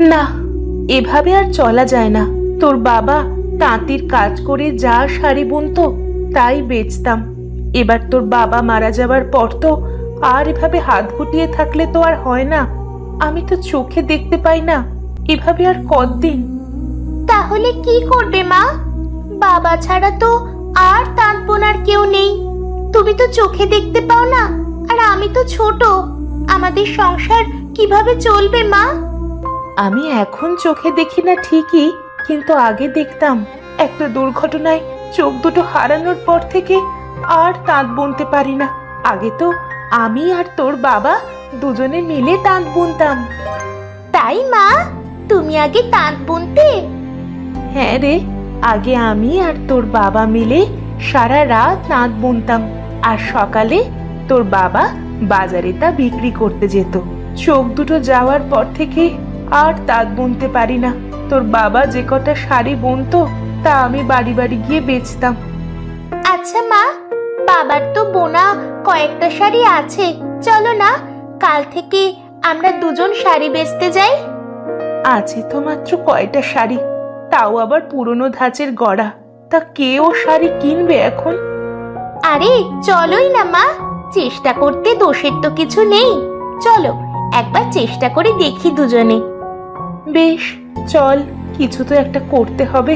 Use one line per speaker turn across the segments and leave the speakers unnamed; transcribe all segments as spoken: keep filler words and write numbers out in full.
না, এভাবে আর চলা যায় না। তোর বাবা তাঁতির কাজ করে যা শাড়ি বুনতো তাই বেচতাম। এবার তোর বাবা মারা যাবার পর তো আর এভাবে হাত গুটিয়ে থাকলে তো আর হয় না। আমি তো চোখে দেখতে পাই না, এভাবে আর কতদিন।
তাহলে কি করবে মা? বাবা ছাড়া তো আর তাঁত বোনার কেউ নেই। তুমি তো চোখে দেখতে পাও না, আর আমি তো ছোট। আমাদের সংসার কিভাবে চলবে মা?
আমি এখন চোখে দেখি না ঠিকই, কিন্তু আগে দেখতাম। একটা দুর্ঘটনায় চোখ দুটো হারানোর পর থেকে আর তাঁত বুনতে পারি না। আগে তো আমি আর তোর বাবা দুজনে মিলে তাঁত বুনতাম।
তাই মা, তুমি আগে তাঁত বুনতে?
হ্যাঁ রে, আগে আমি আর তোর বাবা মিলে সারা রাত তাঁত বুনতাম, আর সকালে তোর বাবা বাজারে তা বিক্রি করতে যেত। চোখ দুটো যাওয়ার পর থেকে আর তাঁত বুনতে পারি না। তোর বাবা যে কটা শাড়ি বুনতো তা আমি বাড়ি বাড়ি গিয়ে বেচতাম।
আচ্ছা মা, বাবার তো বোনা কয়েকটা শাড়ি আছে, চলো না কাল থেকে আমরা দুজন শাড়ি বেচতে যাই।
আছে তো মাত্র কয়টা শাড়ি, তাও আবার পুরনো ধাঁচের গড়া। তা কে ও শাড়ি কিনবে এখন?
আরে চলোই না মা, চেষ্টা করতে দোষের তো কিছু নেই। চলো একবার চেষ্টা করে দেখি দুজনে।
বেশ, চল, কিছু তো একটা করতে হবে।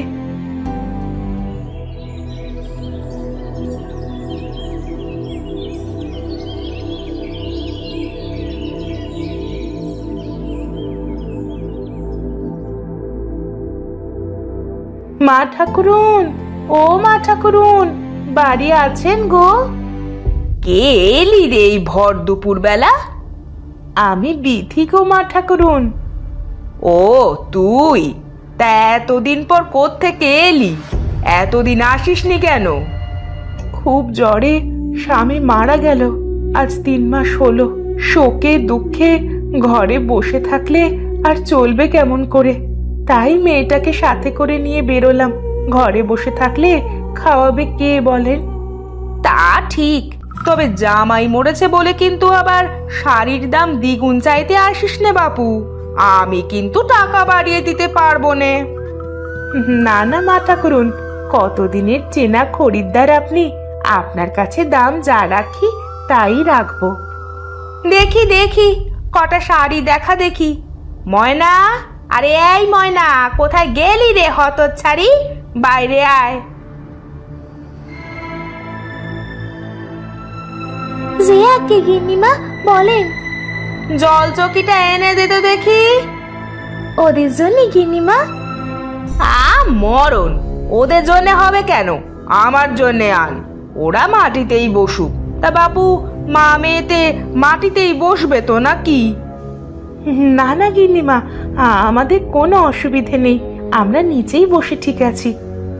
মা ঠাকুরুন, ও মা ঠাকুরুন, বাড়ি আছেন গো?
কে এলি রে এই ভর দুপুর বেলা?
আমি বিথি গো মা ঠাকুরুন।
ও তুই? তা এতদিন পর কোত্থেকে এলি? এতদিন আসিসনি কেন?
খুব জ্বরে স্বামী মারা গেল, আজ তিন মাস হলো। শোকে দুঃখে ঘরে বসে থাকলে আর চলবে কেমন করে? তাই মেয়েটাকে সাথে করে নিয়ে বেরোলাম। ঘরে বসে থাকলে খাওয়াবে কে বলেন?
তা ঠিক, তবে জামাই মরেছে বলে কিন্তু আবার শাড়ির দাম দ্বিগুণ চাইতে আসিস নে বাপু। আমি কিন্তু টাকা বাড়িয়ে দিতে পারবো নে।
না না মা ঠাকুরুন, কতদিনের চেনা খরিদ্দার আপনি, আপনার কাছে দাম যা রাখি তাই রাখবো।
দেখি দেখি কটা শাড়ি দেখা দেখি। ময়না, আরে এই ময়না, কোথায় গেলি রে হতচ্ছাড়ি? বাইরে আয়।
জিয়া কে গিন্নিমা বলেন?
জল চকিটা এনে দে তো দেখি।
ওদের জন্য গিন্নিমা?
আ মরণ, ওদের জন্য হবে কেন, আমার জন্য আন। ওরা মাটিতেই বসুক। তা বাপু, মা মেয়েতে মাটিতেই বসবে তো নাকি?
না না গিন্নিমা, আমাদের কোনো অসুবিধে নেই, আমরা নিচেই বসে ঠিক আছি।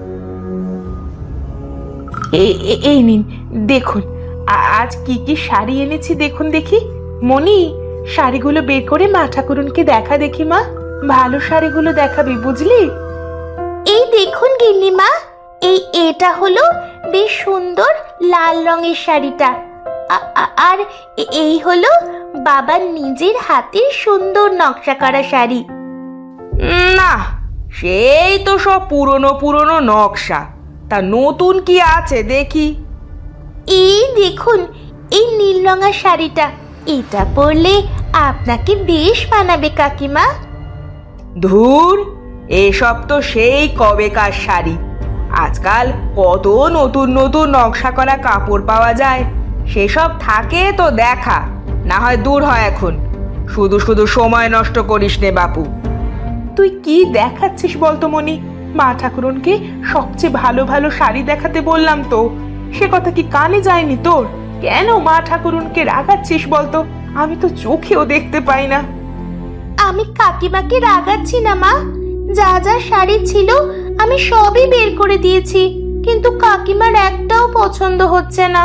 এই- এই- এই নিন, দেখুন আ- আজ কি কি শাড়ি এনেছি দেখুন দেখি। মনি, শাড়িগুলো বের করে মা ঠাকুরুনকে দেখা দেখি। মা, ভালো শাড়িগুলো দেখাবি বুঝলি?
এই দেখুন গিন্নিমা, এই এটা হলো বেশ সুন্দর লাল রঙের শাড়িটা। আ- আ- আর এ- এই হলো বাবার নিজের হাতের সুন্দর নকশা করা শাড়ি।
না, সেই তো সব পুরনো পুরনো নকশা। তা নতুন কি আছে দেখি।
এই দেখুন এই নীল রঙের শাড়িটা, এটা পরলে আপনাকে বেশ মানাবে কাকিমা।
ধুর, এসব তো সেই কবেকার শাড়ি। আজকাল কত নতুন নতুন নকশা করা কাপড় পাওয়া যায়, সেসব থাকে তো দেখা। না হয় দূর হয় এখন, শুধু শুধু সময় নষ্ট করিস নে বাপু।
তুই কি দেখাচ্ছিস বলতো মনি? মা ঠাকুরুনকে সবচেয়ে ভালো ভালো শাড়ি দেখাতে বললাম তো, সে কথা কি কানে যায়নি তোর? কেন মা ঠাকুরুনকে রাগাচ্ছিস বলতো? আমি তো চোখেও দেখতে পাই না।
আমি কাকিমাকে রাগাচ্ছি না মা, যা যা শাড়ি ছিল আমি সবই বের করে দিয়েছি, কিন্তু কাকিমার একটাও পছন্দ হচ্ছে না।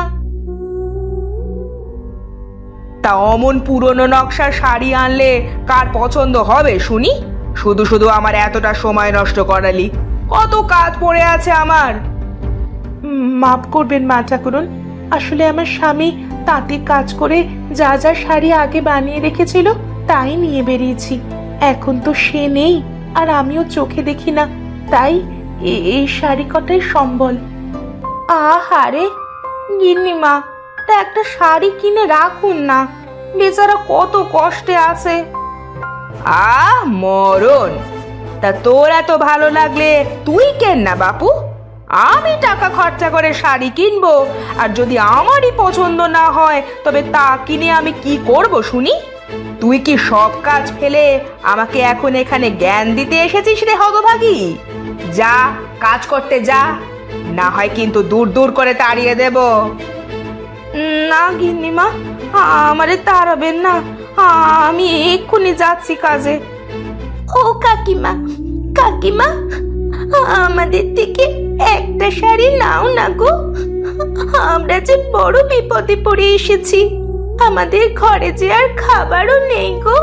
তা অমন পুরনো নকশার শাড়ি আনলে কার পছন্দ হবে শুনি? শুধু শুধু আমার এতটা সময় নষ্ট করালি, কত কাজ পড়ে আছে আমার।
উম, মাফ করবেন মা ঠাকুরুন, আসলে আমার স্বামী তাঁতি কাজ করে যা যা শাড়ি আগে বানিয়ে রেখেছিল তাই নিয়ে বেরিয়েছি। এখন তো সে নেই, আর আমিও চোখে দেখি না, তাই এ- এই শাড়ি কটাই সম্বল। আহারে গিন্নিমা, তা একটা শাড়ি কিনে রাখুন না, বেচারা কত কষ্টে আছে।
আহ মরণ! তা তোর এত ভালো লাগলে তুই কেন না বাপু? আমি টাকা খরচা করে শাড়ি কিনবো, আর যদি আমারই পছন্দ না হয় তবে তা কিনে আমি কি করব শুনি? তুই কি সব কাজ ফেলে আমাকে এখন এখানে জ্ঞান দিতে এসেছিস রে হতভাগী? যা কাজ করতে যা, না হয় কিন্তু দূর দূর করে তাড়িয়ে দেব।
না গিন্নিমা, আমারে তাড়াবেন না, আমি এক্ষুনি যাচ্ছি কাজে।
ও কাকিমা, কাকিমা, আমাদের থেকে একটা শাড়ি নাও না গো, আমরা যে বড় বিপদে পড়ে এসেছি, আমাদের ঘরে যে আর খাবারও নেই গো।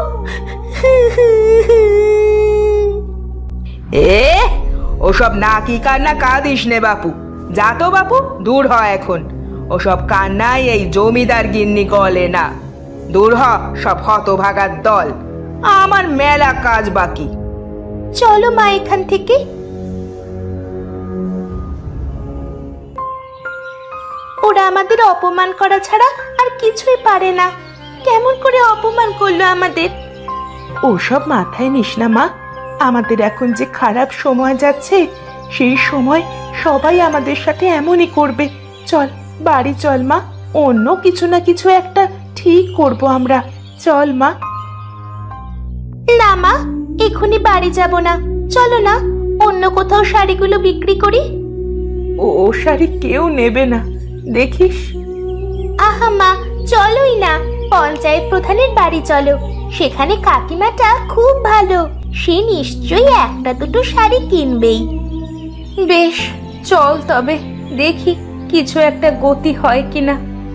এ ওসব নাকি কান্না কাঁদিস নে বাপু, যা তো বাপু, দূর হ এখন। ওসব কান্নাই এই জমিদার গিন্নি গলে না। দূর হ সব হতভাগার দল, আমার মেলা কাজ বাকি।
চলো মা এখান থেকে। ওরা আমাদের অপমান করা ছাড়া আর কিছুই পারে না। কেমন করে অপমান করলো আমাদের।
ওসব মাথায় নিস না মা, আমাদের এখন যে খারাপ সময় যাচ্ছে, সেই সময় সবাই আমাদের সাথে এমনই করবে। চল বাড়ি চল মা, অন্য কিছু না কিছু একটা ঠিক করব আমরা। চল মা।
না মা, এখনই বাড়ি যাব না, চলো না অন্য কোথাও শাড়িগুলো বিক্রি করি।
ও ও শাড়ি কেউ নেবে না, দেখিস।
আহা মা, চলোই না, পঞ্চায়েত প্রধানের বাড়ি চলো, সেখানে কাকিমাটা খুব ভালো, সে নিশ্চয়ই একটা দুটো শাড়ি কিনবেই।
বেশ চল তবে, দেখি কিছু একটা গতি হয় কিনা।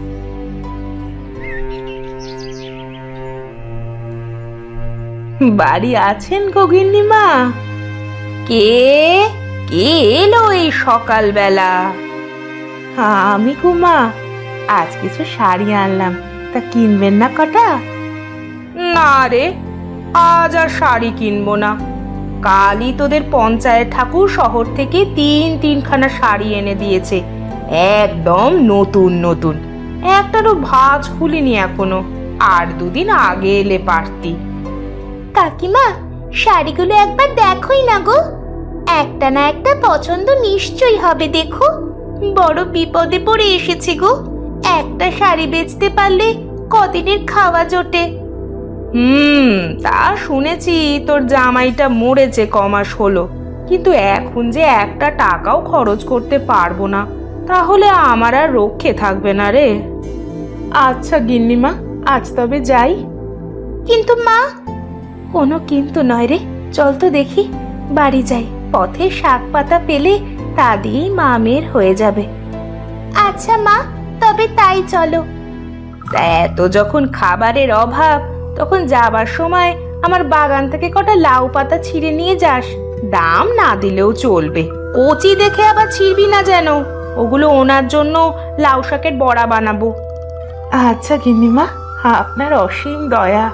বাড়ি আছেন গগিন্নিমা?
কে কে এলো এই সকালবেলা?
আমি গো মা, আজ কিছু শাড়ি আনলাম, তা কিনবেন না কটা?
না রে, আজ আর শাড়ি কিনবো না। কালই তোদের পঞ্চায়েত ঠাকুর শহর থেকে তিন তিনখানা শাড়ি এনে দিয়েছে, একদম নতুন নতুন। একটারও ভাঁজ খুলিনি এখনো, আর দুদিন আগে এলে পারতি।
কাকিমা, শাড়িগুলো একবার দেখোই না গো, একটা না একটা পছন্দ নিশ্চয়ই হবে। দেখো, বড় বিপদে পড়ে এসেছি গো, একটা শাড়ি বেচতে পারলে কদিনের খাওয়া জোটে।
হুম, তা শুনেছি তোর জামাইটা মরেছে কমাস হলো, কিন্তু এখন যে একটা টাকাও খরচ করতে পারবো না, তাহলে আমার আর রক্ষে থাকবে না রে।
আচ্ছা গিন্নিমা, আজ তবে যাই।
কিন্তু মা।
কোনো কিন্তু নয় রে, চল তো দেখি, বাড়ি যাই। পথে শাক পাতা পেলে তা দিয়েই মা মেয়ের হয়ে যাবে।
আচ্ছা মা, তবে তাই চলো।
তা এত যখন খাবারের অভাব, তখন যাবার সময় আমার বাগান থেকে কটা লাউ পাতা ছিঁড়ে নিয়ে যাস, দাম না দিলেও চলবে। কচি দেখে আবার ছিঁড়বি না যেন, ওগুলো ওনার জন্য লাউ শাকের বড়া বানাবো।
আচ্ছা গিন্নিমা, আপনার অসীম দয়া।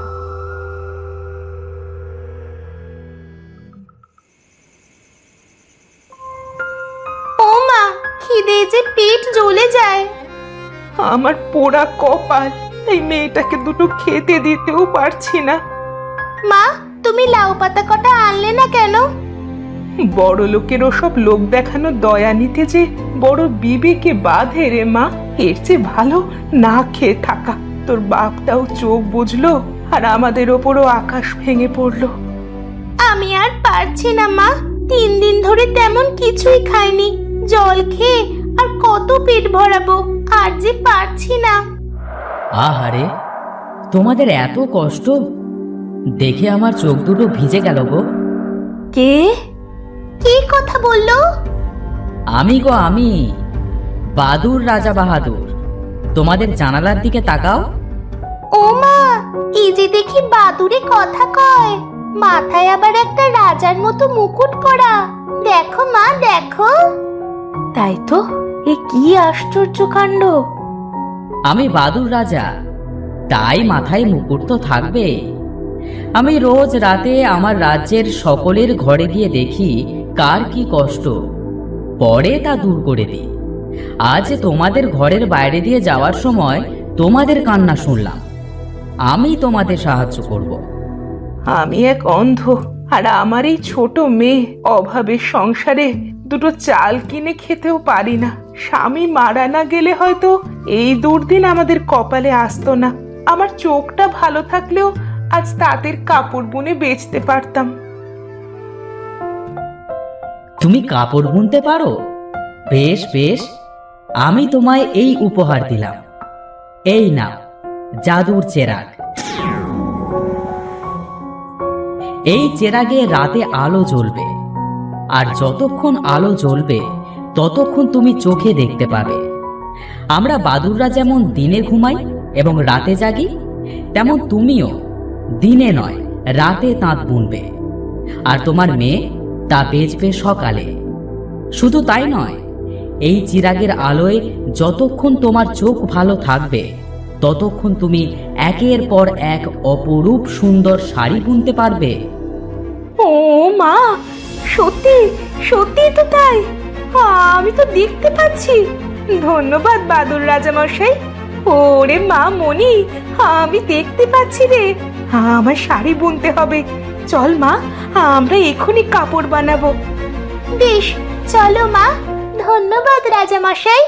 ও মা, খিদে যে পেট জ্বলে যায়।
আমার পোড়া কপাল, এই মেয়েটাকে দুটো খেতে দিতেও পারছি না।
মা, তুমি লাউ পাতা কটা আনলে না কেন?
বড় লোকের ওসব লোক দেখানো দয়া নিতে যে বড় বিবেকে বাঁধে রে মা। এর চেয়ে ভালো না খেয়ে থাকা। তোর বাপটাও চোখ বুঝলো, আর আমাদের ওপরও আকাশ ভেঙে পড়লো।
আমি আর পারছি না মা, তিন দিন ধরে তেমন কিছুই খাইনি, জল খেয়ে আর কত পেট ভরাবো, আর যে পারছি না।
আহারে, তোমাদের এত কষ্ট দেখে আমার চোখ দুটো ভিজে গেল গো।
কে
কি কথা বললো?
আমি গো আমি, বাদুর রাজা বাহাদুর। তোমাদের জানালার দিকে তাকাও।
ও মা, এই যে দেখি বাদুড়ে কথা কয়, মাথায় আবার একটা রাজার মতো মুকুট করা। দেখো মা, দেখো।
তাই তো, এ কি আশ্চর্য কাণ্ড।
আমি বাদুর রাজা, তাই মাথায় মুকুট তো থাকবে। আমি রোজ রাতে আমার রাজ্যের সকলের ঘরে গিয়ে দেখি কার কি কষ্ট, পরে তা দূর করে দিই। আজ তোমাদের ঘরের বাইরে দিয়ে যাওয়ার সময় তোমাদের কান্না শুনলাম, আমি তোমাদের সাহায্য করব।
আমি এক অন্ধ, আর আমার এই ছোট মেয়ে অভাবের সংসারে দুটো চাল কিনে খেতেও পারি না। স্বামী মারা না গেলে হয়তো এই দুর্দিন আমাদের কপালে আসতো না। আমার চোখটা ভালো থাকলেও আজ তাঁতের কাপড় বুনে বেচতে পারতাম।
তুমি কাপড় বুনতে পারো? বেশ বেশ, আমি তোমায় এই উপহার দিলাম। এই নাও জাদুর চেরাগ। এই চেরাগে রাতে আলো জ্বলবে, আর যতক্ষণ আলো জ্বলবে ততক্ষণ তুমি চোখে দেখতে পাবে। আমরা বাদুররা যেমন দিনে ঘুমাই এবং রাতে জাগি, তেমন তুমিও দিনে নয় রাতে তাঁত বুনবে, আর তোমার মেয়ে তা বেচবে সকালে। শুধু তাই নয়, এই চিরাগের আলোয় যতক্ষণ তোমার চোখ ভালো থাকবে ততক্ষণ তুমি একের পর এক অপরূপ সুন্দর শাড়ি বুনতে পারবে।
ও মা, সত্যি সত্যি তো তাই, আমি তো দেখতে পাচ্ছি। ধন্যবাদ বাদুর রাজা মশাই। ওরে মা মনি, আমি দেখতে পাচ্ছি রে। আমার শাড়ি বুনতে হবে। চল মা, আমরা এখনই কাপড় বানাবো।
বেশ, চলো মা। ধন্যবাদ রাজা মশাই।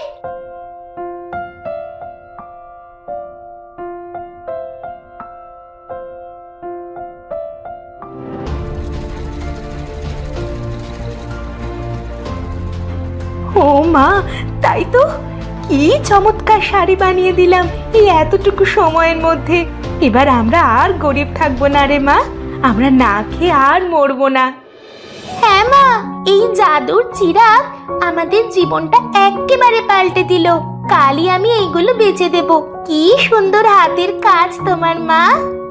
ও মা, তাই তো, কি চমৎকার শাড়ি বানিয়ে দিলাম এই এতটুকু সময়ের মধ্যে। এবার আমরা আর গরিব থাকবো না রে মা, আমরা না খেয়ে আর মরবো না।
হ্যাঁ মা, এই জাদুর চিরাগ আমাদের জীবনটা একেবারে পাল্টে দিল। কালই আমি এইগুলো বেচে দেব। কি সুন্দর হাতের কাজ তোমার মা।